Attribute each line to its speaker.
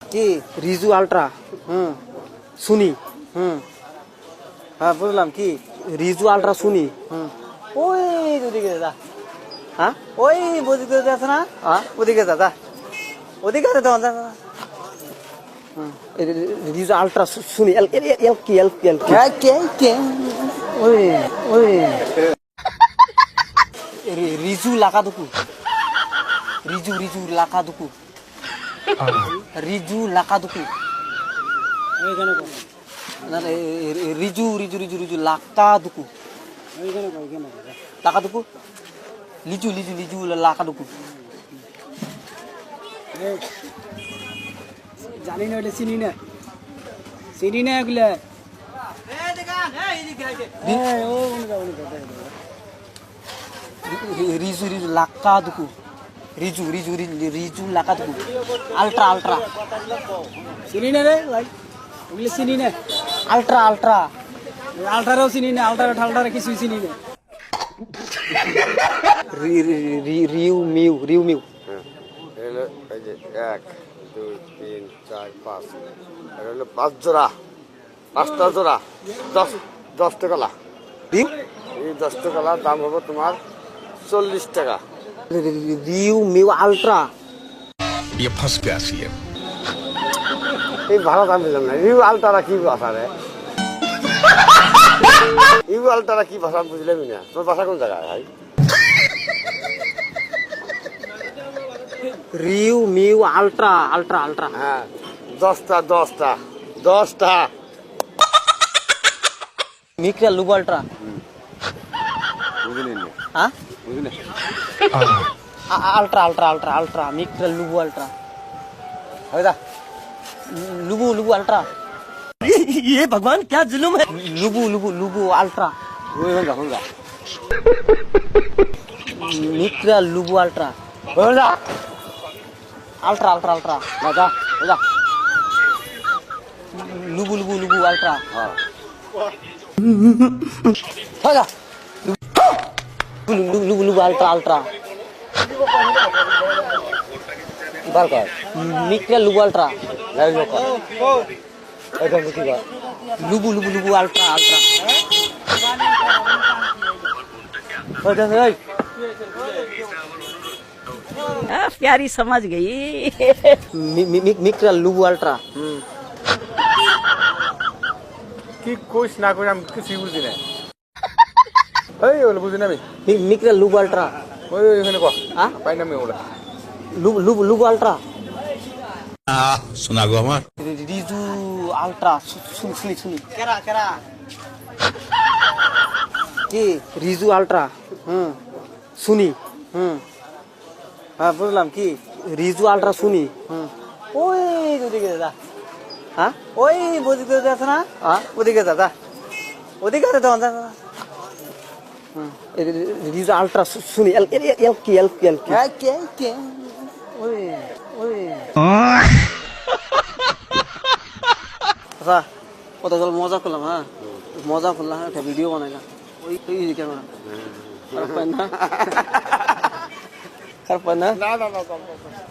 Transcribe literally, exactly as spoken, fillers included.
Speaker 1: কি রিজু আলট্রা হুম শুনি হুম হ্যাঁ বুঝলাম কি রিজু আলট্রা শুনি হুম ওই ওদিকে যা হ্যাঁ ওই ওদিকে আছে না হ্যাঁ ওদিকে যা যা ওদিকে আছে তখন যা রিজু আলট্রা শুনি এল এল এল কি এল কি এল কে কে ওই ওই রিজু লাকা দুকু রিজু রিজু লাকা দুকু রিজু লাকা দুকু ওইখানে কো না রিজু রিজু রিজু রিজু লাকা দুকু ওইখানে কো ওইখানে লাকা দুকু লিজু লিজু লিজু লাকা দুকু জানি না এটা চিনি না চিনি না এগুলা এই দেখা এই এদিকে আইছে এই ও কোন যাও রিজু রিজু লাকা দুকু রিজু রিজু রিজু লাকা দুকু আলট্রা আলট্রা চিনি না রে ভাই ওগুলো চিনি না আলট্রা আলট্রা আলট্রাও চিনি না আলট্রা ঠালট্রা কিছু চিনি না রি রি রিউ মিউ রিউ মিউ
Speaker 2: হলো এই যে এক দুই তিন চার পাঁচ আর হলো পাঁচ জোড়া পাঁচটা জোড়া দশ দশ টাকা লা
Speaker 1: রিউ
Speaker 2: এই দশ টাকা লা দাম হবে তোমার চল্লিশ টাকা
Speaker 1: রিউ মিউ আলট্রা
Speaker 3: ये फंस गया सी है
Speaker 2: এই ভালো দাম দিলাম না রিউ আলট্রা কি ভাষা রে রিউ আলট্রা কি ভাষা বুঝলাম না তোর ভাষা কোন জায়গায় ভাই
Speaker 1: রিউ মিউ আলট্রা আলট্রা আলট্রা
Speaker 2: হ্যাঁ দশটা দশটা দশটা
Speaker 1: মিক্রা লুবু আলট্রা
Speaker 2: বুঝলি না
Speaker 1: হ্যাঁ
Speaker 2: বুঝলি
Speaker 1: আলট্রা আলট্রা আলট্রা আলট্রা মিক্রা লুবু আলট্রা
Speaker 2: হয় দা
Speaker 1: लुबू लुबू अल्ट्रा ये भगवान क्या जुलुम है लुबू लुबू लुबू अल्ट्रा
Speaker 2: ওই হল হল
Speaker 1: मित्रा लुबू अल्ट्रा
Speaker 2: হল
Speaker 1: अल्ट्रा अल्ट्रा अल्ट्रा
Speaker 2: না যা যা
Speaker 1: लुबू लुबू लुबू अल्ट्रा
Speaker 2: হ্যাঁ
Speaker 1: जा लुबू लुबू लुबू अल्ट्रा अल्ट्रा
Speaker 2: বার কর
Speaker 1: मित्रा लुबू अल्ट्रा
Speaker 2: লাইন কর এটা কি কর
Speaker 1: लुबू लुबू लुबू अल्ट्रा अल्ट्रा
Speaker 2: ওই দেখ এই
Speaker 1: प्यारी समझ गई मित्रा लुबू अल्ट्रा
Speaker 2: কি কইস না কই আমি কিছু বুঝি না এই ওগুলো বুঝি না আমি
Speaker 1: मित्रा लुबू अल्ट्रा
Speaker 2: ওই ওখানে কর
Speaker 1: হ্যাঁ
Speaker 2: পাই না আমি ওগুলো
Speaker 1: लुबू लुबू लुबू अल्ट्रा
Speaker 3: सुना गो हमार
Speaker 1: रिजू अल्ट्रा सुन सुनी सुनी केरा केरा কি রিজু আলট্রা হুম শুনি হুম হ্যাঁ বুঝলাম কি রিজু আলট্রা শুনি হুম ওই ওদিকে যা হ্যাঁ ওই ওদিকে আছে না হ্যাঁ ওদিকে যা যা ওদিকে আছে তখন যা হুম রিজু আলট্রা শুনি এল এল এল কি এল কি এল কি কে কে ওই ওই আচ্ছা কত জল মজা করলাম হ্যাঁ মজা করলাম একটা ভিডিও বানাইলাম ওই ওই ক্যামেরা খারাপ পাই না খারাপ পাই না
Speaker 2: না না না